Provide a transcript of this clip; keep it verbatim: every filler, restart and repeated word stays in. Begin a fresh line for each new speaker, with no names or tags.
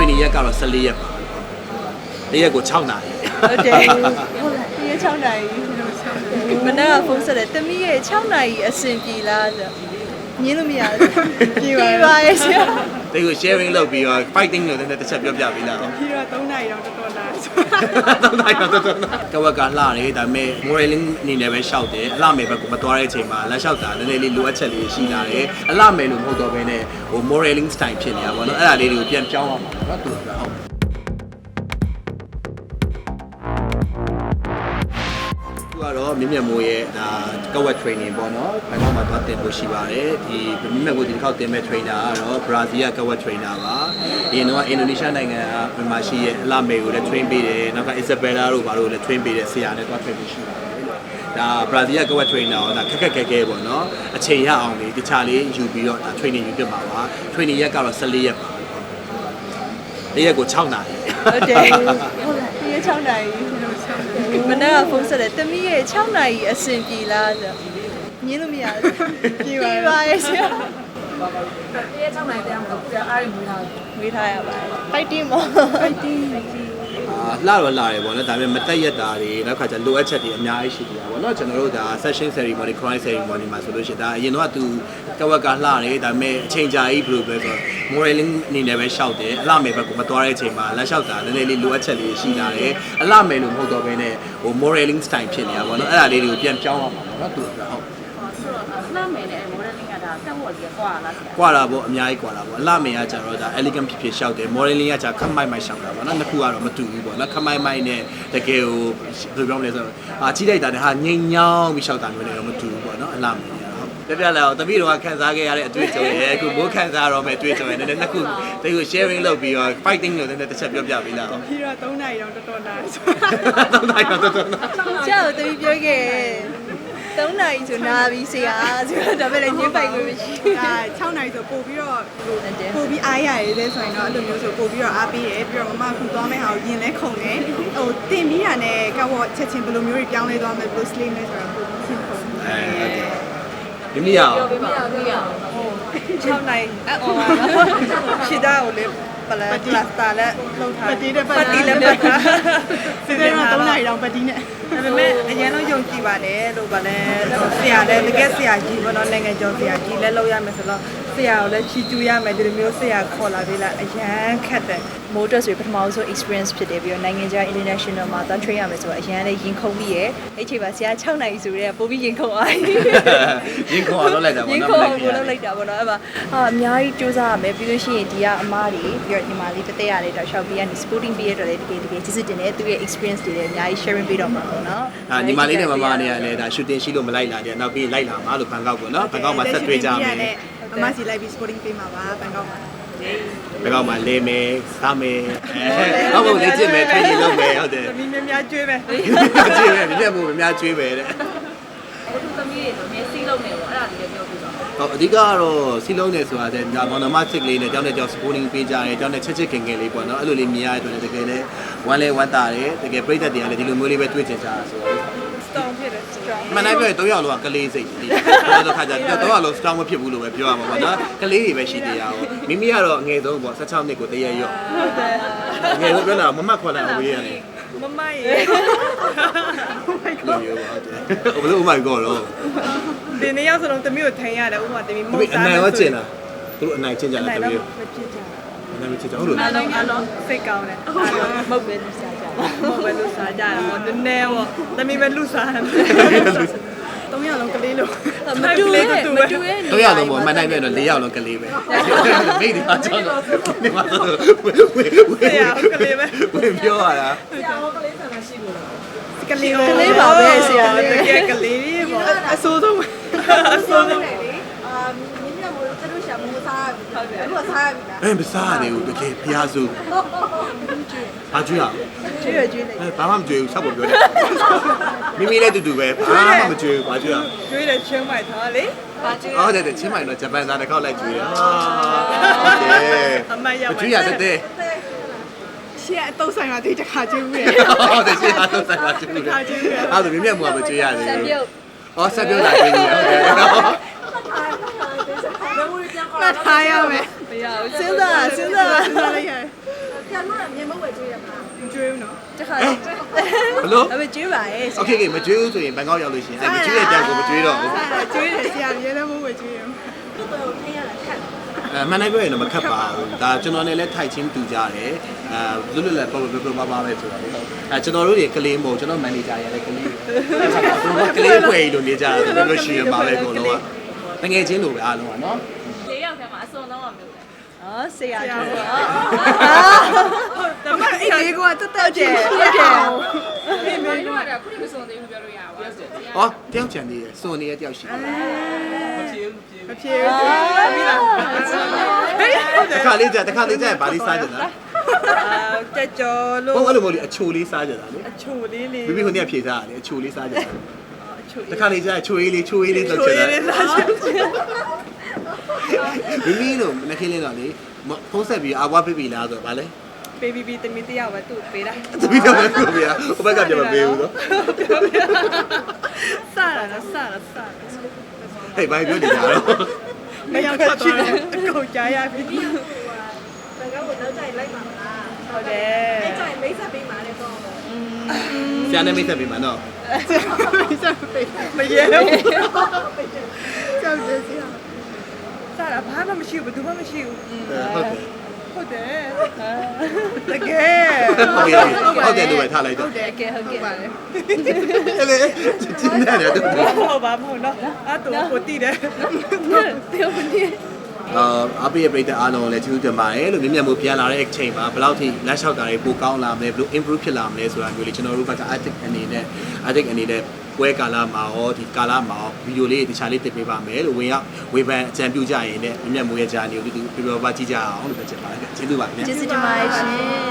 training ရက်ကတော့十四ရက်ပါတရက်ကို6နာရီ
ဟုတ်တယ်ဒီရက်6နာရီမနေ့ကဖုန်းဆက်တယ်တမီးရဲ့6နာရီအဆင်ပြေလားဆိုညင်းလို့မရဘူးပြေပါပါရဲ့ဆရာ
ဒီကို sharing လုပ်ပြီးတော့ fighting လို့လည်းတစ်ချက်ပြောပြပေးလား
ပြီးတော့3နာရီတော့တော်တော်လာ
3နာရီတော့တော်တော်လာကဝက်ကလှတယ်ဒါပေမဲ့ modeling အနေနဲ့ပဲရှောက်တယ်အလှမယ်ဘက်ကိုမသွားတဲ့အချိန်မှာလက်လျှောက်တာနည်းနည်းလေးလိုအပ်ချက်လေးရှိလာတယ်အလှမယ်လို့မဟုတ်တော့ဘဲနဲ့ဟို modeling style ဖြစ်နေတာပေါ့နော်အဲ့ဒါလေးတွေကိုပြန်ပြောင်းအောင်ပါနော်တူတာဟုတ်ကတော့မြင့်မြတ်မိုးရဲ့ဒါကဝက် training ပေါ့နော်ဘန်ကောက်မှာသွားတင်လို့ရှိပါတယ်ဒီမြင့်မြတ်မိုးဒီတစ်ခေါက်တင်မဲ့ trainer ကတော့ Brazil ကကဝက် trainer ပါဒီတော့အင်ဒိုနီးရှားနိုင်ငံကမြန်မာရှိရဲ့အလာမေကိုလည်း train ပေးတယ်နောက်က Isabella တို့ဘာလို့လည်း train ပေးတယ်ဆရာနဲ့သွား train လို့ရှိပါတယ်ဒါ Brazil ကကဝက် trainer တော့ဒါခက်ခက်ခဲခဲပေါ့နော်အချိန်ရအောင်လေတခြားလေးယူပြီးတော့ဒါ training ယူပြပါပါ training ရက်ကတော့十四ရက်ပါတရက်ကို6နာရီ
ဟုတ်တယ်ဒီရက်6နာရီမနေ့ကဖုန်းဆက်တယ်တမီးရဲ့6နာရီအဆင်ပြေလားဆိုညင်းလို့မရဘူးပြေပါပါရဲ့ဆရာ
ဒီရက်6နာရီတရားမလို့ကြာအားရမွေးထား
မွေးထားရပါတယ် fighting မော fighting
အာလှတော့လှတယ်ပေါ့နော်ဒါပေမဲ့မတက်ရက်တာတွေနောက်ခါကျလိုအပ်ချက်တွေအများကြီးရှိနေတာပေါ့နော်ကျွန်တော်တို့ဒါ session ceremony cry ceremony မှာဆိုလို့ရှိရင်ဒါအရင်တော့သူကဝက်ကလှတယ်ဒါပေမဲ့အချိန်ကြာကြီးဘယ်လိုပဲဆို modeling အနေနဲ့ပဲရှောက်တယ်အလှမယ်ဘက်ကိုမသွားတဲ့အချိန်မှာလက်လျှောက်တာနည်းနည်းလေးလိုအပ်ချက်လေးရှိလာတယ်အလှမယ်လို့မဟုတ်တော့ဘဲနဲ့ဟို modeling style ဖြစ်နေတာပေါ့နော်အဲ့ဒါလေးတွေကိုပြန်ပြောင်းအောင်ပါပေါ့နော်သူကဟုတ်
ဆိုတော့အလှမယ်နဲ့ modeling ကဒါတက်ဖို့ကြီးကွာလားဆရာ
ကွာတာပေါ့အများကြီးကွာတာပေါ့အလှမယ်ကကြတော့ဒါ elegant ဖြစ်ဖြစ်ရှောက်တယ် modeling ကကြခက်မိုက်မိုက်ရှောက်တာပေါ့နော်နှစ်ခုကတော့မတူဘူးပေါ့နော်ခက်မိုက်မိုက်နဲ့တကယ်ကိုဘယ်လိုပြောမလဲဆိုတော့အာကြီးလိုက်တာနဲ့ဟာငိမ့်ညောင်းပြီးရှောက်တာမျိုးတွေတော့မတူဘူးပေါ့နော်အလှမယ်ပြပြလာတော့တပည့်တော်ကခန်းစားခဲ့ရတဲ့အတွေ့အကြုံရဲ့အခုမိုးခန်းစားတော့မယ်အတွေ့အကြုံရဲ့နည်းနည်းနှစ်ခုဒီကို sharing လုပ်ပြီးတော့ fighting လို့နည်းနည်းတစ်ချက်ပြောပြပေးလား
ပြီးတော့3နာရီတော့တော်တော်လာ
3နာရီတော့တော်တော်လာ
ကြောက်တပည့်ပြောခဲ့3နာရီဆိုနာပြီးဆရာဆိုတော့ဒါပဲလေညှိပိုက်လို့မရှိဘူးဒါ6နာရီဆိုပို့ပြီးတော့ပို့ပြီးအားရရတယ်ဆိုရင်တော့အဲ့လိုမျိုးဆိုပို့ပြီးတော့အားပေးတယ်ပြီးတော့မမခုသွားမယ့်ဟာကိုရင်လဲခုန်တယ်ဟိုတင်ပြီးတာနဲ့ကောက်ဝချက်ချင်းဘယ်လိုမျိုးတွေပြောင်းလဲသွားမယ်ဘယ်လို slim လဲဆိုတော့ပို့ပြီးရှင်းခုန်တယ်
မိမိရအောင်
ပြောပြပါဦးပြရအောင်
6နိုင်အော်ရှစ်တာကိုလေပလတ်ပလတ်တာလည်းလောက်ထားပတိတဲ့ပတိလည်းပတ်ထားစီစဉ်တော့3နိုင်တော့ပတိနဲ့ဒါပေမဲ့အရင်တော့ယုံကြည်ပါတယ်လို့ဗာလဲဆရာလည်းတကယ်ဆရာကြီးဘောနော်နိုင်ငံကျော်ဆရာကြီးလည်းလောက်ရမယ်ဆိုတော့ဆရာကိုလည်းချီကျူးရမယ်ဒီလိုမျိုးဆရာခေါ်လာပေးလိုက်အရန်ခက်တယ်မိုးတက်ဆိုပထမဆုံး experience ဖြစ်တယ်ပြီးတော့နိုင်ငံခြား international မှာသွား train ရမယ်ဆိုတော့အရန်လည်းရင်ခုန်ပြီးရဲ့အဲ့ချိန်မှာဆရာ6နိုင်ဆိုတော့ပို့ပြီးရင်ခုန်အား
ရင်ခုန်အောင်လုပ်လိုက်တာပေါ့နော်
ရင်ခုန်အောင်လုပ်လိုက်တာပေါ့နော်အဲ့မှာဟာအများကြီးစူးစမ်းရမယ်ပြီးလို့ရှိရင်ဒီကအမားတွေပြီးတော့ညီမလေးတသက်ရတယ်တော့ရှောက်ပြီးကနေ sporting ပြီးရတော့လေတကယ်တကယ်ကျေးဇူးတင်တယ်သူရဲ့ experience တွေလည်းအများကြီး sharing ပေးတော့မှာပေါ့နော်
ဟာညီမလေးနဲ့မမနဲ့ကလည်းဒါ shooting ရှိလို့မလိုက်လာတယ်နောက်ပြီးလိုက်လာမှာလို့ဘန်ကောက်ပေါ့နော်ဘန်ကောက်မှာဆက်တွေ့ကြမယ်
မမစီလိုက်ပြီး sporting ပေးမှာပါဘန်ကောက်မှာ
ဘယ်ကောင်မှလဲမယ်စားမယ်အဲဟုတ်ဟုတ်လေ့ကျင့်မယ် training လုပ်မယ်ဟုတ်တယ်
သမီးများများကျွေးမယ်
ကျွေးမယ်မြက်မို့များကျွေးမယ်တဲ့
အခုသမီးတွေဆိုနေစီးလုံးနေပေါ့အဲ့ဒါလေးပြောပြပါ
ဟုတ်အဓိကကတော့စီလုံးနေဆိုတာတဲ့ဒါမောင်နှမချစ်ကလေးနဲ့ကြောင်းတဲ့ကြောင်း supporting ပေးကြတယ်ကြောင်းတဲ့ချစ်ချစ်ခင်ခင်လေးပေါ့နော်အဲ့လိုလေးမြင်ရတဲ့အတွက်တကယ်လည်းဝမ်းလဲဝမ်းသာတယ်တကယ်ပြိတ္တတွေကလည်းဒီလိုမျိုးလေးပဲတွေ့ချင်ကြတာဆိုတော့
strong ဖြစ်တယ် strong
မနိုင်ပြည့်၃ယောက်လောက်ကလေးစိတ်ဒီတော့တော့ခါကြတော့တော့လော strong မဖြစ်ဘူးလို့ပဲပြောရမှာပေါ့နော်ကလေးတွေပဲရှိသေးရအောင်မိမိကတော့အငယ်ဆုံးပေါ့16နှစ်ကိုတရက်ရော့ဟုတ်တယ်အငယ်ဆုံးပြောတာမမခွက်လာဝေးရတယ်
မမရေ
လို့ပြောပါတယ်ဘယ်လိုဥမိုက်ကောတော့
ဒီနေ့ရောက်ဆိုတော့တမီးကိုထိုင်ရတယ်ဥမာတမီးမ
ဟုတ်စားအနိုင်ရောကျင်လားသူတို့အနိုင်ကျင်ကြလားတမီး
မကျင်ကြ
အနိုင်မကျင်ကြဟုတ်လို့
အားလုံးအားလုံးစိတ်ကောင်းတယ်အားလုံးမဟုတ်ပဲလူစားကြမဟုတ်ပဲလူစားကြတာဟောနည်းနည်းဟောတမီးပဲလူစားတယ်သုံးယောက်လုံးကလေးလို့မတူရဲ့မတူရဲ့
သုံးယောက်လုံးပေါ့မနိုင်ပြည့်တော့၄ယောက်လုံးကလေးပဲမိတ်ဒီမှာကြောက်တော့ဒီမှာဆိုဝေဝေဝေ
ယောက်ကလေးပဲ
ဝင်ပြောရတာ
ဆရာဟောကလေးဆန္ဒရှိလို့
ကလေးကလေးပါပဲဆရာတကယ်ကလေးလေးပေါ့အဆိုးဆုံးအဆိုးဆုံး
အာမြင်းမြတ်မို့သူတို့ရှာမိုးစားဟုတ်တယ်အခုစားရပြီလား
အဲမစားရဘူးတကယ်ဖျားစုဘာကျွေးရ
ကျွေးရကျွေးလိုက်
အဲဘာမှမကျွေးဘူးဆက်ပေါ်ပြောတယ်မိမိလည်းတူတူပဲဘာမှမကျွေးဘူးဘာကျွေးရ
ကျွေးတယ်ချင်းမိုက်ထားလေ
ဘာကျွေး
ဟုတ်တယ်ချင်းမိုက်တော့ဂျပန်သားတစ်ခေါက်လိုက်ကျွေးရဟာဟုတ်တယ်
အမရပါ
ကျွေးရတဲ့
ရှေ့အတုံးဆိုင်မှာဒီတစ်ခါကျွေးဘူးရ
ဟုတ်တယ်ရှေ့အတုံးဆိုင်မှာကျွေးဘူးတစ်ခါကျွေးဘူးအဲ့ဒါမြင်မြတ်မှာမကျွေးရတယ်ဆက်ပြုတ်ဩဆက်ပြုတ်လာကျွေးတယ်ဟုတ်တယ်
မထားရမယ်မရဘူးစဉ်းစားစဉ်းစားစဉ်းစားလိုက်ရ
ဆရာတို့ကမြေမဝဲကျွေးရမှာ
မကျွေးဘူးနော်တခါ
ဘလို့
ဒါပေမဲ့ကျွေးပါရဲ့
โอเคမကျွေးဘူးဆိုရင်ဘန်ကောက်ရောက်လို့ရှိရင်မကျွေးတဲ့တန်းကိုမကျွေးတော့ဘူး
ကျွေးတယ်ဆရာရဲလည်းမဝဲကျွေးရမှာ
သူ့ကိုထိရတာခက်
အဲမှန်တယ်ပြောရင်တော့မခက်ပါဘူးဒါကျွန်တော်နဲ့လည်းထိုက်ချင်းတူကြတယ်အဲလွတ်လွတ်လပ်ပေါ်ပေါ်ပါပါပဲဆိုတာလေအဲကျွန်တော်တို့တွေကလေးမဟုတ်ကျွန်တော်မန်နေဂျာရလည်းကလေးကလေးဖွယ်လို့နေကြတယ်ပြောလို့ရှိရင်ပါပဲအကုန်လုံးကငွေချင်းလိုပဲအားလုံးကနော်
၄ယောက်ထဲမှာအစုံတော့မမျိုးလဲ
อ๋อဆရာကျွေးပါဒါပေမဲ့အဲ့ဒီကတက်တက်ကျဲဟုတ်တယ်
ဒီမျိုးတို့ကခုနမစုံသေးဘူးပြောလို့ရပါဘူး
ဟောတယောက်ချန်နေရယ်စွန်နေရတယောက်ရှိတယ်
မဖြေဘူးပြီလားဟုတ်တယ်
တခါလေးကြာတခါလေးကြာဘာလေးစားကြတာ
တက်ကြော်လို့
ဟုတ်အဲ့လိုမဟုတ်လေအချိုလေးစားကြတာလေ
အချိုလေးလေး
မိမိခုနေ့ဖြေစားရတယ်အချိုလေးစားကြတာ
အချို
တခါလေးကြာချိုရေးလေးချိုရေးလေးလောက်ချင်တာ
လေးစားချင်
မိမိတို့မနခင်းလေးတော့လေဖုံးဆက်ပြီးအာဝါပြပြီလားဆိုတော့ဗာလဲ
ဘေဘီဘီတမီတယောက်ပဲသူ့ပေးတာ
တပီတော့ပဲကိုပြဟိုဘက်ကပြန်မပေးဘူးနော်
စတာနော်စတာစတာ
ဟေးဘာပြောနေကြတော့
မရောက်တော့တယ်အကုန်ကြားရပြီ
ဘယ်ကတော့နောက်ကြိုင်လိုက်ပါမလား
ဟုတ်တယ်
အဲ့ကြိုင်မိတ်ဆက်ပေးမှာလေပေါ့
ဆရာနဲ့မိတ်ဆက်ပြီးမှာနော်
မရဲဘူးကြောက်တယ်ဆရာစတာဘာမှမရှိဘူးဘယ်သူမှမရှိဘူး
ဟုတ်တယ်
ဟုတ်တယ်တကယ်
ဟုတ်တယ်ဟုတ်တယ်လို့ပဲထားလိုက်တော့
ဟုတ်တယ်ကဲဟုတ်ကဲ့ပါလေ
အဲ့လေကျင်းနေတယ်တူ
ဟုတ်ပါမဟုတ်နော်အဲ့တော့ကိုတည်တယ်ပြောနေ
အာအပိယပရိသတ်အားလုံးလည်းကျေးဇူးတင်ပါတယ်လို့မြင်မြတ်မှုပြန်လာတဲ့အချိန်မှာဘယ်လောက်ထိလက်လျှောက်တာတွေပိုကောင်းလာမလဲဘယ်လို improve ဖြစ်လာမလဲဆိုတာမျိုးလေးကျွန်တော်တို့ဘက်က artist အနေနဲ့ artist အနေနဲ့ပွဲကာလမှာရောဒီကာလမှာရောဗီဒီယိုလေးတခြားလေးတင်ပေးပါမယ်လို့ဝင်ရောက်ဝေဖန်အကြံပြုကြရင်လည်းမြင်မြတ်မှုရဲ့ဂျာနီကိုဒီလိုပြပြပါကြည့်ကြအောင်လို့ပြောချင်ပါတယ်ကျေးဇူးပါခင်ဗျာ
ကျေးဇူးတင်ပါတယ်ရှင်